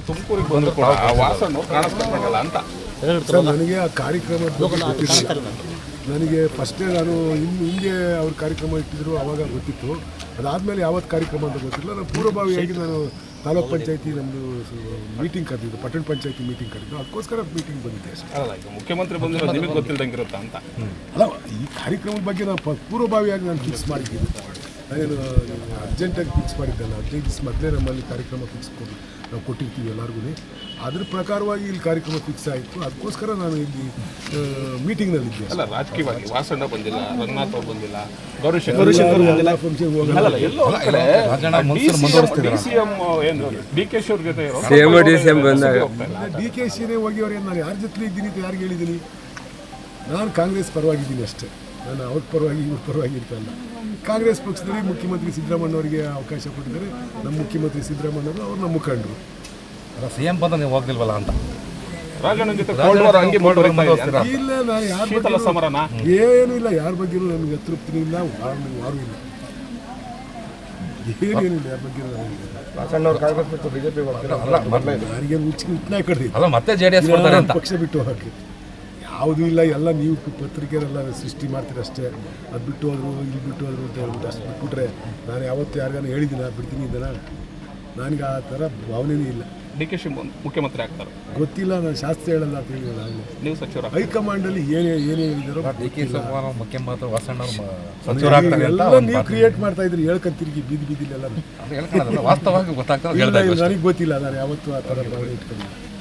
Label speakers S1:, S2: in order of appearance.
S1: ತುಮಕೂರಿಗೆ ಬಂದರೂ ಕೂಡ ಆ ವಾಸನ್ನು ಕಾಣಿಸ್ಕೊಂಡಲ್ಲ ಅಂತ.
S2: ಸರ್ ನನಗೆ ಆ ಕಾರ್ಯಕ್ರಮದ ಬಗ್ಗೆ ಗೊತ್ತಿರಲಿಲ್ಲ. ನನಗೆ ಫಸ್ಟೇ ನಾನು ಹಿಂದೆ ಅವ್ರ ಕಾರ್ಯಕ್ರಮ ಇಟ್ಟಿದ್ರು ಆವಾಗ ಗೊತ್ತಿತ್ತು. ಅದಾದಮೇಲೆ ಯಾವತ್ತು ಕಾರ್ಯಕ್ರಮ ಅಂತ ಗೊತ್ತಿಲ್ಲ. ನಾನು ಪೂರ್ವಭಾವಿಯಾಗಿ ನಾನು ತಾಲೂಕ್ ಪಂಚಾಯತಿ ನಮ್ಮದು ಮೀಟಿಂಗ್ ಕರೆದಿದ್ದು, ಪಟ್ಟಣ ಪಂಚಾಯತಿ ಮೀಟಿಂಗ್ ಕರೆದಿದ್ದು, ಅದಕ್ಕೋಸ್ಕರ ಮೀಟಿಂಗ್ ಬಂದಿದ್ದೆ ಅಷ್ಟೇ.
S1: ಅಲ್ಲ, ಈಗ ಮುಖ್ಯಮಂತ್ರಿ ಬಂದಿರೋ ನಿಮಗೆ ಗೊತ್ತಿಲ್ದಂಗಿರುತ್ತಾ ಅಂತ.
S2: ಅಲ್ಲ, ಈ ಕಾರ್ಯಕ್ರಮದ ಬಗ್ಗೆ ನಾನು ಪೂರ್ವಭಾವಿಯಾಗಿ ನಾನು ಫಿಕ್ಸ್ ಮಾಡಿದ್ದೀನಿ. ನಾನೇನು ಅರ್ಜೆಂಟಾಗಿ ಫಿಕ್ಸ್ ಮಾಡಿದ್ದಲ್ಲ. 15 ದಿವಸ ಮೊದಲೇ ನಮ್ಮಲ್ಲಿ ಕಾರ್ಯಕ್ರಮ ಫಿಕ್ಸ್ ನಾವು ಕೊಟ್ಟಿರ್ತೀವಿ ಎಲ್ಲರಿಗೂ. ಅದ್ರ ಪ್ರಕಾರವಾಗಿ ಇಲ್ಲಿ ಕಾರ್ಯಕ್ರಮ ಫಿಕ್ಸ್ ಆಯಿತು. ಅದಕ್ಕೋಸ್ಕರ ನಾನು ಇಲ್ಲಿ ಮೀಟಿಂಗ್ನಲ್ಲಿದ್ದೆ.
S1: ಅಲ್ಲ, ರಾಜಕೀಯವಾಗಿ ವಾಸಣ್ಣ ಬಂದಿಲ್ಲ, ರಂಗನಾಥ್ ಅವ್ರು ಬಂದಿಲ್ಲ, ಗೌರಿಶಂಕರ್
S2: ಎಲ್ಲ ಫಂಕ್ಷನ್ ಹೋಗಲ್ಲ.
S1: ಎಲ್ಲೋ DCM ಏನು DKಶಿ ಅವ್ರ ಜೊತೆ DKಶಿನೇ ಹೋಗಿ ನಾನು ಯಾರ ಜೊತೆ ಇದ್ದೀನಿ ಅಂತ ಯಾರಿಗೆ ಹೇಳಿದ್ದೀನಿ? ನಾನು ಕಾಂಗ್ರೆಸ್ ಪರವಾಗಿದ್ದೀನಿ ಅಷ್ಟೇ. ನಾನು ಅವ್ರ ಪರವಾಗಿ ಇವ್ರ ಪರವಾಗಿ ಇರ್ತಲ್ಲ. ಕಾಂಗ್ರೆಸ್ ಪಕ್ಷದಲ್ಲಿ ಮುಖ್ಯಮಂತ್ರಿ ಸಿದ್ದರಾಮಯ್ಯನವರಿಗೆ ಅವಕಾಶ ಕೊಟ್ಟಿದ್ದಾರೆ. ನಮ್ಮ ಮುಖ್ಯಮಂತ್ರಿ ಸಿದ್ದರಾಮಯ್ಯವರು ಅವ್ರು ನಮ್ಮ ಮುಖಂಡರು.
S3: CM ಬಂದ ನೀವು ಹೋಗ್ತಿಲ್ವಲ್ಲ ಅಂತ
S1: ರಾಜಣ್ಣ ಜೊತೆ
S2: ಇಲ್ಲ, ನಾನು ಯಾರ
S1: ಶೀತಲ ಸಮರನ
S2: ಏನೂ ಇಲ್ಲ. ಯಾರ ಬಗ್ಗೆನೂ ನನಗೆ ಅತೃಪ್ತಿನೂ ಇಲ್ಲ, ಯಾರೂ ಇಲ್ಲ, ಏನೇನಿಲ್ಲ. ಯಾರ ಬಗ್ಗೆ ನನಗೇನು ಹುಚ್ಚನಾಗ ಕಡ್ದಿಲ್ಲ.
S3: ಮತ್ತೆ JDS
S2: ಪಕ್ಷ ಬಿಟ್ಟು ಹೋಗಕ್ಕೆ ಯಾವುದೂ ಇಲ್ಲ. ಎಲ್ಲ ನೀವು ಪತ್ರಿಕೆರೆಲ್ಲ ಸೃಷ್ಟಿ ಮಾಡ್ತೀರ ಅಷ್ಟೇ. ಅದು ಬಿಟ್ಟು ಹೋದ್ರು, ಇಲ್ಲಿ ಬಿಟ್ಟು ಹೋದ್ರು ಅಂತ ಹೇಳ್ಬಿಟ್ಟು ಅಷ್ಟು ಬಿಟ್ಬಿಟ್ರೆ ನಾನು ಯಾವತ್ತು ಯಾರಿಗಾನ ಹೇಳಿದ್ದೀನ ಬಿಡ್ತೀನಿ ಇದನ್ನ? ನನಗೆ ಆ ಥರ ಭಾವನೆಯೂ ಇಲ್ಲ.
S1: DKಶಿ ಮುಖ್ಯಮಂತ್ರಿ ಆಗ್ತಾರೆ
S2: ಗೊತ್ತಿಲ್ಲ. ನಾನು ಶಾಸ್ತ್ರ ಹೇಳಲ್ಲ ಅಂತ ಹೇಳಿಲ್ಲ. ಆಗಲೇ
S1: ನೀವು ಸಚಿವರ
S2: ಹೈಕಮಾಂಡಲ್ಲಿ ಏನೇ ಹೇಳಿದಾರೋ
S3: ಮುಖ್ಯಮಂತ್ರಿ
S2: ಎಲ್ಲ ನೀವು ಕ್ರಿಯೇಟ್ ಮಾಡ್ತಾ ಇದ್ರಿ. ಹೇಳ್ಕೊಂತಿರ್ಗಿ ಬೀದಿಲೆಲ್ಲ
S3: ವಾಸ್ತವವಾಗಿ ಗೊತ್ತಾಗ್ತದೆ.
S2: ನನಗೆ ಗೊತ್ತಿಲ್ಲ. ನಾನು ಯಾವತ್ತೂ ಆ ಥರ ಭಾವನೆ ಇಟ್ಕೊಂಡಿಲ್ಲ.